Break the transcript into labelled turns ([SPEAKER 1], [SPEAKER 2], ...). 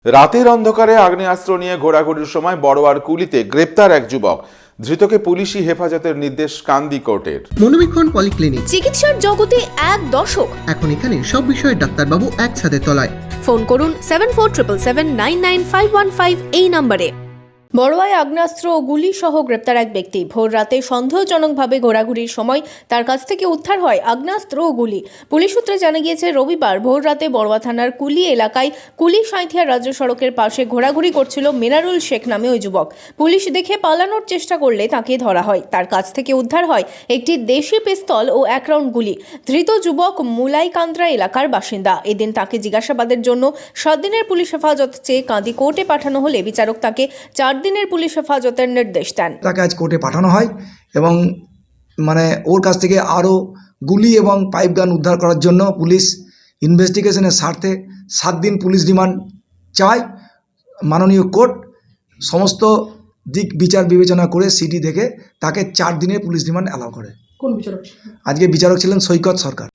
[SPEAKER 1] রাতের অন্ধকারে আগ্নেয়াস্ত্র নিয়ে ঘোরাঘুরির সময় বড়োয়ার কুলিতে গ্রেপ্তার এক যুবক। ধৃতকে পুলিশি হেফাজতের নির্দেশ কান্দি কোর্টের।
[SPEAKER 2] মনোবীক্ষণ পলিক্লিনিক,
[SPEAKER 3] চিকিৎসার জগতে এক দশক।
[SPEAKER 2] এখন এখানে সব বিষয়ে ডাক্তারবাবু একসাথে তলায়।
[SPEAKER 3] ফোন করুন 7477799515 এই নম্বরে। বড়োয়ায় আগ্নেয়াস্ত্র ও গুলি সহ গ্রেপ্তার এক ব্যক্তি। ভোর রাতে সন্দেহজনকভাবে ঘোরাঘুরির সময় তার কাছ থেকে উদ্ধার হয় আগ্নেয়াস্ত্র ও গুলি। পুলিশ সূত্রে জানা গিয়েছে, রবিবার ভোর রাতে বড়োয়া থানার কুলি এলাকায় কুলি সাঁইথিয়া রাজ্য সড়কের পাশে ঘোরাঘুরি করছিল মিনারুল শেখ নামে ওই যুবক। পুলিশ দেখে পালানোর চেষ্টা করলে তাকে ধরা হয়। তার কাছ থেকে উদ্ধার হয় একটি দেশি পিস্তল ও 1 রাউন্ড গুলি। ধৃত যুবক মুলাইকান্দ্রা এলাকার বাসিন্দা। এদিন তাকে জিজ্ঞাসাবাদের জন্য 7 দিনের পুলিশ হেফাজত চেয়ে কাঁদি কোর্টে পাঠানো হলে বিচারক তাকে 4 দিনের পুলিশ হেফাজতের নির্দেশ দেন।
[SPEAKER 4] তাকে আজ কোর্টে পাঠানো হয় এবং ওর কাছ থেকে আরও গুলি এবং পাইপ গান উদ্ধার করার জন্য পুলিশ ইনভেস্টিগেশনের স্বার্থে 7 দিন পুলিশ রিমান্ড চায়। মাননীয় কোর্ট সমস্ত দিক বিচার বিবেচনা করে সিটি দেখে তাকে 4 দিনের পুলিশ রিমান্ড অ্যালাউ করে।
[SPEAKER 5] কোন বিচারক?
[SPEAKER 4] আজকে বিচারক ছিলেন সৈকত সরকার।